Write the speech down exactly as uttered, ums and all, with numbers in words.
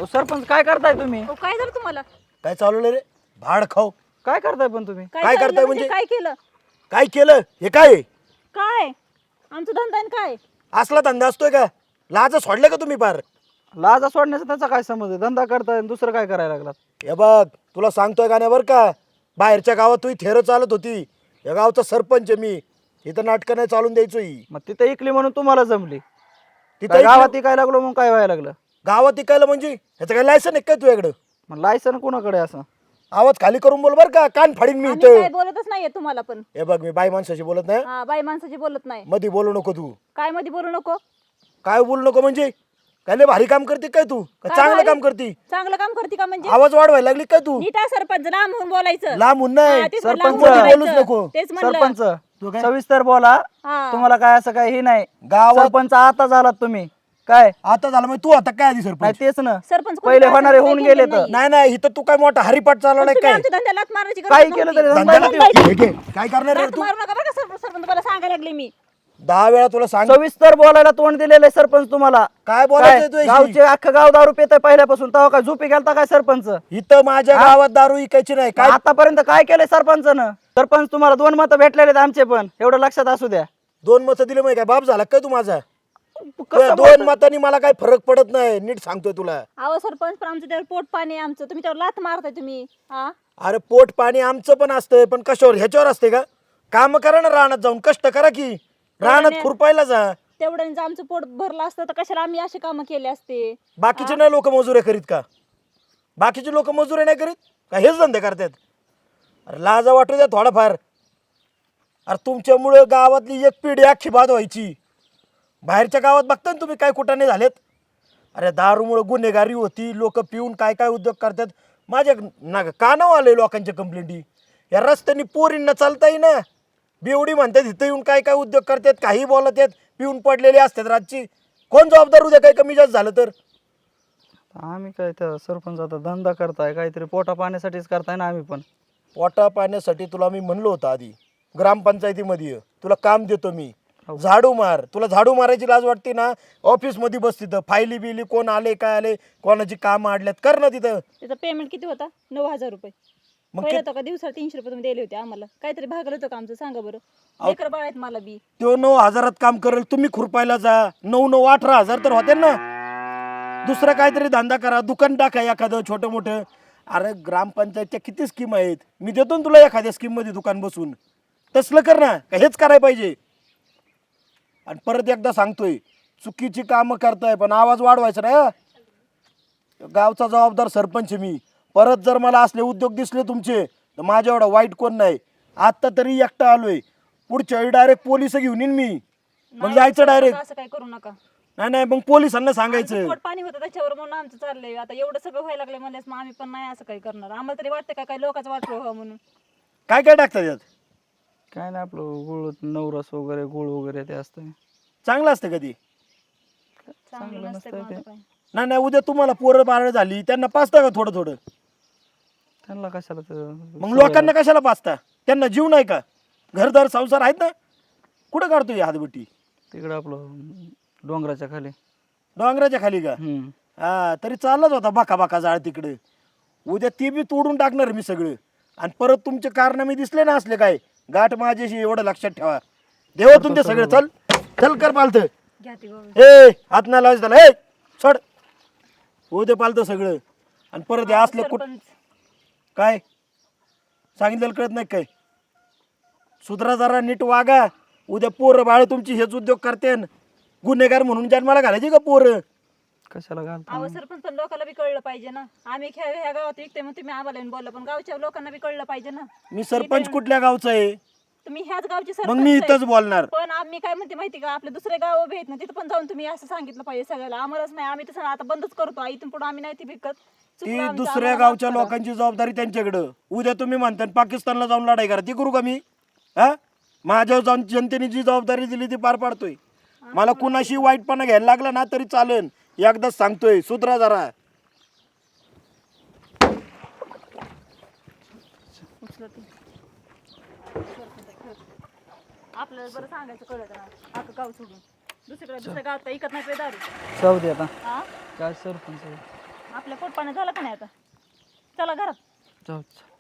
अहो सरपंच काय करताय तुम्ही? अहो, काय झालं तुम्हाला? काय चालवलं रे? भाड खाऊ. काय करताय पण तुम्ही? काय चाललं करताय म्हणजे? काय केलं? काय केलं हे? काय आहे? काय आमचं धंदा आहे न काय? असला धंदा असतोय का? लाज सोडले का तुम्ही पार? लाजा सोडण्याचा त्याचा काय समज आहे? धंदा करताय आणि दुसरं काय करायला लागलात? हे बघ, तुला सांगतोय का नाही बरं का, बाहेरच्या गावात तुही थेर चालत होती. या गावचा सरपंच आहे मी. इथं नाटकं नाही चालून द्यायचो ही. मग तिथे इकली म्हणून तुम्हाला जमली, तिथं काय गावात इकडं- इकायला लागलो मग काय व्हायला लागलं? गावात इकायला म्हणजे ह्याचं काय लायसन आहे काय तुझ्याकडं? मग लायसन कोणाकडे असं? आवाज खाली करून बोल बरं का, कान फाडीन मी आम्ही इथं. काय बोलतच नाहीये तुम्हाला पण. हे बघ, मी बाई माणसाशी बोलत नाही. हा, बाई माणसाची बोलत नाही. मध्ये बोलू नको तू. काय मध्ये बोलू नको? काय बोलू नको म्हणजे? काय लय भारी काम करते काय तू? का काय चांगलं भारी? काम करते? चांगलं काम करते का म्हणजे? आवाज वाढवायला लागली काय तू? नीट आहे सरपंच, लांब होऊन बोलायचं. लांबून हा, नाही, तेच म्हणलं, सरपंच लांब होऊन बोलूच बोलायचं. नको. तेच म्हणलं. सरपंच तू काय? सविस्तर बोला. हा. तुम्हाला काय असं काय हे नाही. गावात- सरपंच आता झालात तुम्ही काय? आता झालं म्हणजे तू आता काय आधी नाही सरपंच? तेच ना, सरपंच कोणी पहिले काय होणारे सांगत होऊन नाही, गेले केलं तर नाही. नाही नाही, इथं तू काय मोठा हरिपाठ चालवलाय तुम्ही काय? आमच्या धंद्याला लाथ मारायची गरज काही नव्हती. केलं तरी धंद्याला- धंदा हे घे. काय करणार रे लाथ तू? मारू नका बरं का सरपंच, सरपंच मला सांगायला लागले मी. दहा वेळा तुला सांग. सविस्तर बोलायला तोंड दिलेलं आहे सरपंच तुम्हाला. काय बोलायचं तुझ्याशी? गावचे अख्खं गाव दारू पितय पहिल्यापासून, तेव्हा काय झोपी गेलता काय सरपंच? इथं माझ्या गावात दारू इकायची नाही काय? आतापर्यंत काय केलंय सरपंचानं? सरपंच तुम्हाला दोन मतं भेटलेले आहेत आमचे पण, एवढं लक्षात असू द्या. दोन मतं दिले माहिती काय? बाप झाला काय तू माझा? कसं तुझ्या दोन मतांनी मला काय फरक पडत नाही, नीट सांगतोय तुला. अहो सरपंच, पण आमचं त्यावर पोट पाणी आहे आमचं, तुम्ही त्यावर लाथ मारताय तुम्ही. हा, अरे पोट पाणी आमचं पण असतंय, पण कशावर? ह्याच्यावर असते का? काम करा ना, रानात जाऊन कष्ट करा की. रानात खुरपायला जा. तेवढ्याने जर आमचं पोट भरलं असतं तर कशाला आम्ही अशी कामं केली असते? बाकीचे नाही लोक मजुऱ्या करीत का? बाकीचे लोक मजुऱ्या नाही करीत का? हेच धंदे करतात. अरे लाजा वाटू द्या थोडाफार. अरे तुमच्यामुळं गावातली एक पिढी अख्खी बाद व्हायची. बाहेरच्या गावात बघता ना तुम्ही काय कुठाने झालेत. अरे दारूमुळं गुन्हेगारी होती, लोक पिऊन काय काय उद्योग करतात. माझ्या ना कानावर आले लोकांच्या कंप्लेंटी. या रस्त्याने पोरींना चालता येईना, बेवडी म्हणतात, इथं येऊन काय काय उद्योग करतात, काही बोलत आहेत, पिऊन पडलेले असतात रातची. कोण जबाबदार उद्या काय कमी जास्त झालं तर? आम्ही काय त्या सरपंच आता धंदा करताय, काहीतरी पोटा पाण्यासाठीच करताय ना आम्ही पण. पोटा पाण्यासाठी तुला मी म्हणलो होतं आधी, ग्रामपंचायतीमध्ये ये, तुला काम देतो मी. झाडू मार. तुला झाडू मारायची लाज वाटते ना, ऑफिसमध्ये बस तिथं. फायली बिली कोण आले काय आले, कोणाची कामं आडल्यात, कर ना तिथं. त्याचा पेमेंट किती होता? नऊ हजार रुपये. मग पहिलं होतं का दिवसाला तीनशे रुपये तुम्ही दिले होते आम्हाला? काहीतरी भागलं होतं का आमचं? सांगा बरं. लेकर बाळ आहेत मला बी. तो नऊ हजारात काम करेल, तुम्ही खुरपायला जा. नऊ नऊ अठरा हजार तर होते ना. दुसरा काहीतरी धंदा करा, दुकान टाका एखादं छोटं मोठं. अरे ग्रामपंचायतच्या किती स्कीम आहेत, मी देतो ना तुला एखाद्या स्कीम मध्ये दुकान बसून. तसलं कर ना, का हेच करायला पाहिजे? आणि परत एकदा सांगतोय, चुकीची कामं करताय पण आवाज वाढवायचा नाही हं. गावचा जबाबदार सरपंच आहे मी. परत जर मला असले उद्योग दिसले तुमचे तर माझ्या एवढा वाईट कोण नाही. आता तरी एकटा आलोय, पुढच्या वेळी डायरेक्ट पोलिस घेऊन येईन मी. मग नाही, जायचं सरपंच डायरेक्ट. असं काही करू नका. नाही नाही, मग पोलिसांना आमचं सांगायचं. पोट पाणी होतं त्याच्यावर म्हणून आमचं चाललंय. आता एवढं सगळं व्हायला लागलं म्हणल्यास मग आम्ही पण नाही असं काही करणार. आम्हाला तरी वाटतं का काही लोकांचं वाटलं व्हावं म्हणून. काय काय टाकतात यात? काय नाही, आपलं गुळ नवरस वगैरे गुळ वगैरे ते असतं. चांगलं असतं कधी? चांगलं नसतं पण आता काय. नाही नाही, उद्या तुम्हाला पोरं बाळ झाली त्यांना पाचता का थोडं थोडं? त्यांना कशाला तर मग लोकांना कशाला पाचता? त्यांना जीव नाही का? घरदार संसार आहेत ना. कुठं काढतोय हातबट्टी? तिकडं आपलं डोंगराच्या खाली. डोंगराच्या खाली का? हम्म. हा, तरी चाललाच होता बाका बाका जाळ तिकडे. उद्या ते बी तोडून टाकणार मी सगळं. आणि परत तुमचे कारनामे दिसले ना असले काय, गाठ माझ्याशी एवढं लक्षात ठेवा. देवातून ते सगळं. चल चल कर पालत. घ्या ती गोळी. ए हात नाही लावायचं त्याला. ए सोड. उद्या पालतं सगळं. आणि परत हे असले कुठ सरपंच, काय सांगितलेलं कळत नाही काय? सुधरा जरा, नीट वागा. उद्या पोरं बाळ तुमची हेच उद्योग करते. गुन्हेगार म्हणून जन्माला घालायची का पोरं? कशाला घालता? अहो सरपंच, पण लोकांना बी कळलं पाहिजे ना. आम्ही ह्या ह्या गावात विकते मग तुम्ही आम्हाला येऊन बोलला, पण गावच्या लोकांना बी कळलं पाहिजे ना. मी सरपंच कुठल्या गावचा आहे? तुम्ही ह्याच गावचे मग सरपंच मी आहे. इथंच बोलणार. पण आम्ही काय म्हणते माहिती का, आपले दुसरे गाव उभे आहेत ना, तिथं पण जाऊन तुम्ही असं सांगितलं पाहिजे सगळ्याला. आम्हालाच नाही, आम्ही तसं आता बंदच करतो. इथून पुढे आम्ही नाही ती विकत. चुकलं ती आमचं, दुसऱ्या आम्हाला गावच्या माफ करा. लोकांची जबाबदारी त्यांच्याकडं. उद्या तुम्ही म्हणता पाकिस्तानला जाऊन लढाई करा, ती करू का मी? हा, माझ्यावर जाऊन जनतेने जी जबाबदारी दिली ती पार पाडतोय. मला कुणाशी वाईटपणा घ्यायला लागला ना तरी चालेल. एकदाच सांगतोय, सुधरा जरा. उचला ती. आपल्याला बरं सांगायचं कळत ना, आता गाव सोडून दुसरीकडे दुसऱ्या गावात काय इकत नाही पे दारू. जाऊ दे आता. हा, काय सरपंच आहे? आपल्या पोटपाने झालं का नाही आता चला घरात जाऊ